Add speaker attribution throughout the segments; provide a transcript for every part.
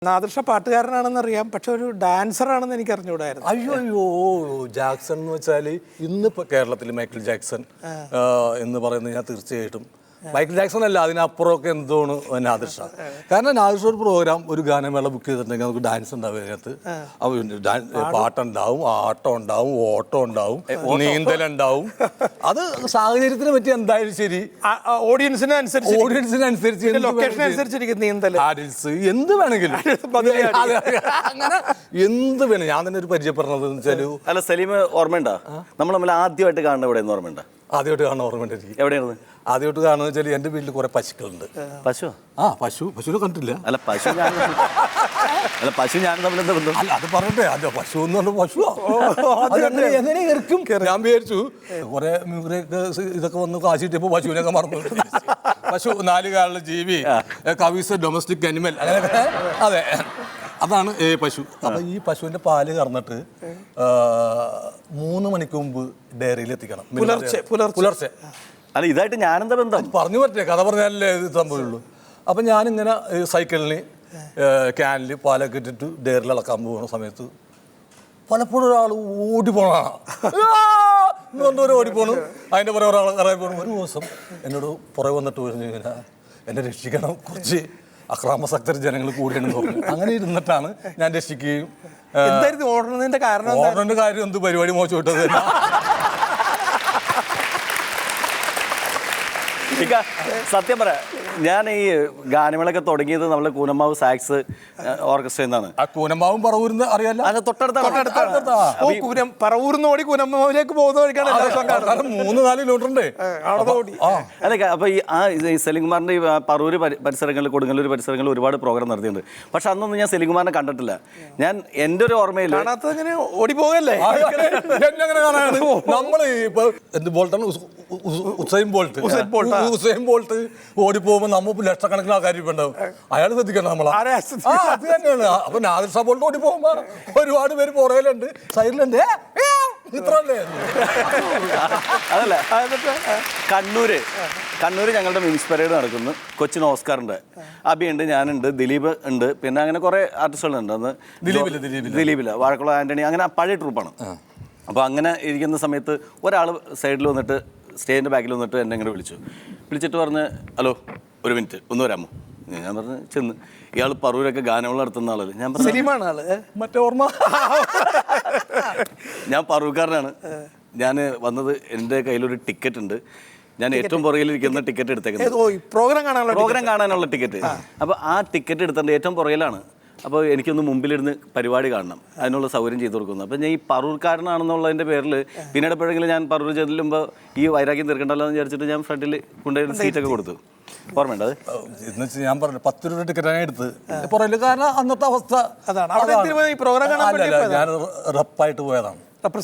Speaker 1: നാദൃഷ പാട്ടുകാരനാണെന്നറിയാം, പക്ഷെ ഒരു ഡാൻസർ ആണെന്ന് എനിക്ക് അറിഞ്ഞുകൂടായിരുന്നു.
Speaker 2: അയ്യോ ജാക്സൺ എന്ന് വെച്ചാൽ ഇന്നിപ്പോൾ കേരളത്തിൽ മൈക്കിൾ ജാക്സൺ എന്ന് പറയുന്നത് ഞാൻ തീർച്ചയായിട്ടും മൈക്കിൾ ജാക്സൺ അല്ല, അതിനപ്പുറമൊക്കെ എന്തോണ് നാദിർഷ. കാരണം നാദിർഷ ഒരു പ്രോഗ്രാം, ഒരു ഗാനമേള ബുക്ക് ചെയ്തിട്ടുണ്ടെങ്കിൽ നമുക്ക് ഡാൻസ് ഉണ്ടാവും, അതിനകത്ത് പാട്ടുണ്ടാവും, ആട്ടം ഉണ്ടാവും, ഓട്ടം ഉണ്ടാവും, നീന്തലുണ്ടാവും. അത് സാഹചര്യത്തിന് പറ്റി എന്തായാലും ശരി,
Speaker 1: ഓഡിയൻസിനനുസരിച്ച് ലൊക്കേഷൻ അനുസരിച്ചിരിക്കും നീന്തൽ,
Speaker 2: എന്ത് വേണമെങ്കിലും അങ്ങനെ എന്ത് വേണം. ഞാൻ തന്നെ ഒരു പരിചയപ്പെടുന്നത് വെച്ചാൽ,
Speaker 3: അല്ല സലീം ഓർമ്മയുണ്ടോ നമ്മൾ തമ്മിൽ ആദ്യമായിട്ട് കാണുന്ന ഇവിടെ എന്ന് ഓർമ്മയുണ്ടോ?
Speaker 2: ആദ്യമായിട്ട് കാണാൻ ഓർമ്മയുണ്ട് എനിക്ക്.
Speaker 3: എവിടെയാണ്
Speaker 2: ആദ്യമായിട്ട് കാണുന്നത് വെച്ചാൽ എൻ്റെ വീട്ടിൽ കുറെ പശുക്കളുണ്ട്.
Speaker 3: പശു?
Speaker 2: പശുവിനെ കണ്ടിട്ടില്ല.
Speaker 3: അല്ല പശു ഞാൻ തമ്മിൽ എന്താ ബന്ധം?
Speaker 2: അല്ല അത് പറയട്ടെ, അല്ല പശു എന്ന് പറഞ്ഞ പശു എങ്ങനെ ഇറക്കും. ഞാൻ വിചാരിച്ചു കുറെ ഇതൊക്കെ വന്ന് കാശിട്ടപ്പോ പശുവിനൊക്കെ മറന്നു. പശു 4 കാലുള്ള ജീവി, കവീസ് ഡൊമസ്റ്റിക് അനിമൽ, അങ്ങനെയൊക്കെ. അതെ, അതാണ് പശു. അപ്പൊ ഈ പശുവിന്റെ പാല് കറന്നിട്ട് 3 മണിക്ക് മുമ്പ് ഡയറിയിൽ എത്തിക്കണം, പുലർച്ചെ.
Speaker 3: അല്ല ഇതായിട്ട് ഞാനെന്താ ബന്ധം?
Speaker 2: പറഞ്ഞു പറ്റേ, കഥ പറഞ്ഞാലേ ഇത് സംഭവമുള്ളൂ. അപ്പം ഞാനിങ്ങനെ സൈക്കിളിന് ക്യാനിൽ പാലൊക്കെ ഇട്ടിട്ട് ഡയറിൽ ഇളക്കാൻ പോകുന്ന സമയത്ത് പലപ്പോഴും ഒരാൾ ഓടിപ്പോണാണ്, ഓടിപ്പോണു. അതിൻ്റെ പുറകെ ഒരാൾ ഇറങ്ങി പോകണം. ഒരു ദിവസം എന്നോട് പുറകെ വന്നിട്ട് പറഞ്ഞു, ഇങ്ങനെ എന്നെ രക്ഷിക്കണം, കുറച്ച് അക്രമാസക്തർ ജനങ്ങൾ കൂടിയെന്ന് പറഞ്ഞു. അങ്ങനെ ഇരുന്നിട്ടാണ് ഞാൻ രക്ഷിക്കുകയും.
Speaker 1: ഓടുന്നതിന്റെ
Speaker 2: കാര്യം എന്ത് പരിപാടി മോശമിട്ടത്.
Speaker 3: സത്യം പറയാം, ഞാൻ ഈ ഗാനമേളൊക്കെ തുടങ്ങിയത് നമ്മളെ കൂനമ്മാവ് സാക്സ് ഓർക്കസ്ട്ര എന്നാണ്.
Speaker 2: ആ കൂനമ്മാവും പറവൂരിന്ന് അറിയാലോ,
Speaker 3: അത് തൊട്ടടുത്ത
Speaker 1: പറവൂരിന്ന് ഓടി കൂനമ്മാവിലേക്ക് പോകുന്ന വഴിക്കാണ്
Speaker 2: 3-4 കിലോമീറ്റർ ഉണ്ട്.
Speaker 3: അല്ല അപ്പൊ ഈ സലീംകുമാറിന്റെ ഈ പറവൂര് പരിസരങ്ങളിൽ, കൊടുങ്ങല്ലൂർ പരിസരങ്ങളിൽ ഒരുപാട് പ്രോഗ്രാം നടത്തിയിട്ടുണ്ട്. പക്ഷെ അന്നൊന്നും ഞാൻ സലീംകുമാറിനെ കണ്ടിട്ടില്ല. ഞാൻ എൻ്റെ ഒരു ഓർമ്മയിൽ
Speaker 1: ഓടി പോകല്ലേ,
Speaker 2: നമ്മള് ഇപ്പൊ എന്ത് ബോൾട്ടാണ്, ഉസൈൻ ബോൾട്ട് ഓടിപ്പോകുമ്പോ നമ്മ ലക്ഷക്കണക്കിന് ആൾക്കാർ ഉണ്ടാവും. അയാൾ ശ്രദ്ധിക്കണം നമ്മളെ. അത് തന്നെയാണ്. അപ്പൊ നാദിർഷ ബോൾട്ട് ഓടി പോകുമ്പോ ഒരുപാട് പേര് പുറകിലുണ്ട്, സൈഡിലുണ്ട്. ഇത്രല്ലേ.
Speaker 3: അതല്ല, കണ്ണൂര് ഞങ്ങളുടെ മിംസ് പരേഡ് നടക്കുന്നു. കൊച്ചിൻ ഓസ്കാറുണ്ട്, അബി ഉണ്ട്, ഞാനുണ്ട്, ദിലീപ് ഉണ്ട്, പിന്നെ അങ്ങനെ കുറെ ആർട്ടിസ്റ്റുകളുണ്ട്. അന്ന് ദിലീപില്ല, വാഴക്കുളം ആന്റണി, അങ്ങനെ പഴയ ട്രൂപ്പാണ്. അപ്പോൾ അങ്ങനെ ഇരിക്കുന്ന സമയത്ത് ഒരാൾ സൈഡിൽ വന്നിട്ട്, സ്റ്റേജിൻ്റെ ബാക്കിൽ വന്നിട്ട് എന്നെ ഇങ്ങനെ വിളിച്ചിട്ട് പറഞ്ഞ്, ഹലോ 1 മിനിറ്റ് ഒന്ന് വരാമോ? ഞാൻ പറഞ്ഞ് ചെന്ന്, ഇയാൾ പറവൂരൊക്കെ ഗാനമേള നടത്തുന്ന ആളല്ലേ. ഞാൻ പറഞ്ഞു
Speaker 1: മറ്റേ ഓർമ്മ,
Speaker 3: ഞാൻ പറവൂർക്കാരനാണ്. ഞാൻ വന്നത്, എൻ്റെ കയ്യിലൊരു ടിക്കറ്റ് ഉണ്ട്, ഞാൻ ഏറ്റവും പുറകിലിരിക്കുന്ന ടിക്കറ്റ് എടുത്തേക്കുന്നത് പ്രോഗ്രാം കാണാനുള്ള ടിക്കറ്റ്. അപ്പോൾ ആ ടിക്കറ്റ് എടുത്തിട്ട് ഏറ്റവും പുറകിലാണ്. അപ്പോൾ എനിക്കൊന്ന് മുമ്പിലിരുന്ന് പരിപാടി കാണണം, അതിനുള്ള സൗകര്യം ചെയ്തു കൊടുക്കുന്നു. അപ്പോൾ ഞാൻ ഈ പറവൂർക്കാരനാണെന്നുള്ളതിൻ്റെ പേരിൽ പിന്നീട് എപ്പോഴെങ്കിലും ഞാൻ പറവൂർ ചെല്ലുമ്പോൾ ഈ വൈരാഗ്യം തീർക്കണ്ടല്ലോ എന്ന് വിചാരിച്ചിട്ട് ഞാൻ ഫ്രണ്ടിൽ കൊണ്ടുപോയി സീറ്റൊക്കെ കൊടുത്തു. ഓർമ്മയുണ്ട് അത്? എന്ന് വെച്ചാൽ ഞാൻ പറഞ്ഞു 10 രൂപ ടിക്കറ്റാണ് എടുത്ത് പുറകിൽ. കാരണം അന്നത്തെ അവസ്ഥ ഞാൻ റപ്പായിട്ട് പോയതാണ്.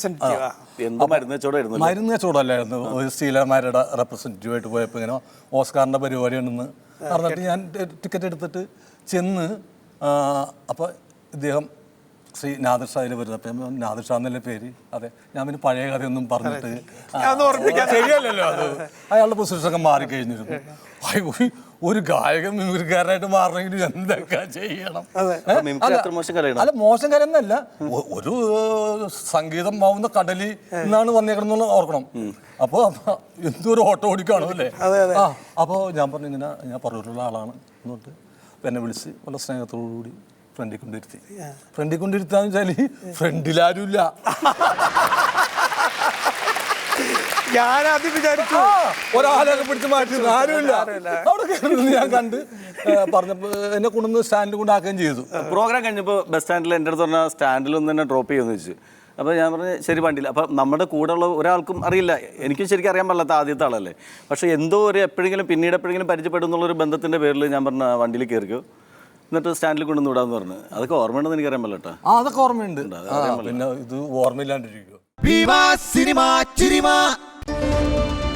Speaker 3: മരുന്ന് കച്ചവടമല്ലായിരുന്നു, ഒരു സ്റ്റീലർമാരുടെ റെപ്രസെൻറ്റേറ്റീവായിട്ട് പോയപ്പോൾ ഇങ്ങനെ ഓസ്കാറിൻ്റെ പരിപാടി ഉണ്ടെന്ന് പറഞ്ഞിട്ട് ഞാൻ ടിക്കറ്റ് എടുത്തിട്ട് ചെന്ന്. അപ്പോൾ ഇദ്ദേഹം ശ്രീ നാദിർ ഷായിൽ വരുന്നത്. അപ്പം നാദിർ ഷാ എന്നല്ലേ പേര്. അതെ, ഞാൻ പിന്നെ പഴയ കഥയൊന്നും പറഞ്ഞിട്ട് ശരിയല്ലല്ലോ അത്. അയാളുടെ പൊസിഷനൊക്കെ മാറിക്കഴിഞ്ഞിരുന്നു. ഒരു ഗായകൻ മിമിക്രിക്കാരനായിട്ട് മാറണമെങ്കിൽ എന്തൊക്കെ ചെയ്യണം? അല്ല, മോശം കാര്യമൊന്നുമല്ല. ഒരു സംഗീതം ആവുന്ന കടലിൽ നിന്നാണ് വന്നേക്കണമെന്നുള്ള ഓർക്കണം. അപ്പോൾ എന്തൊരു ഓട്ടോ ഓടിക്കാണോ അല്ലേ? അപ്പോൾ ഞാൻ പറഞ്ഞു, ഇങ്ങനെ ഞാൻ പറവൂരുള്ള ആളാണ് എന്നിട്ട് എന്നെ വിളിച്ച് വളരെ സ്നേഹത്തോടുകൂടി ഫ്രണ്ടിൽ കൊണ്ടിരുത്താന്ന് വെച്ചാൽ ഫ്രണ്ടിലാരുമില്ല.
Speaker 1: ഞാനാദ്യം വിചാരിച്ചു
Speaker 2: ഒരാളൊക്കെ പിടിച്ച് മാറ്റി, ആരുമില്ല. അവിടെ ഞാൻ കണ്ട് പറഞ്ഞപ്പോൾ എന്നെ കൊണ്ടുവന്ന് സ്റ്റാൻഡിൽ കൊണ്ടാക്കുകയും ചെയ്തു.
Speaker 3: പ്രോഗ്രാം കഴിഞ്ഞപ്പോൾ ബസ് സ്റ്റാൻഡിൽ എൻ്റെ അടുത്ത് പറഞ്ഞാൽ സ്റ്റാൻഡിലൊന്ന് തന്നെ ഡ്രോപ്പ് ചെയ്യുമെന്ന് വെച്ചു. അപ്പോൾ ഞാൻ പറഞ്ഞു ശരി, വണ്ടിയിൽ. അപ്പം നമ്മുടെ കൂടെയുള്ള ഒരാൾക്കും അറിയില്ല, എനിക്കും ശരിക്കും അറിയാൻ പാടില്ലാത്ത ആദ്യത്തെ ആളല്ലേ. പക്ഷേ എന്തോ ഒരു എപ്പോഴെങ്കിലും പരിചയപ്പെടും എന്നുള്ളൊരു ബന്ധത്തിൻ്റെ പേരിൽ ഞാൻ പറഞ്ഞ വണ്ടിയിൽ കയറിക്കോ, എന്നിട്ട് സ്റ്റാൻഡിൽ കൊണ്ടുവന്ന് വിടാന്ന് പറഞ്ഞു. അതൊക്കെ ഓർമ്മയുണ്ടെന്ന് എനിക്കറിയാൻ പാടില്ല.
Speaker 2: അതൊക്കെ ഓർമ്മയുണ്ട്. പിന്നെ ഇത് ഓർമ്മയില്ലാണ്ടിരിക്കുമോ?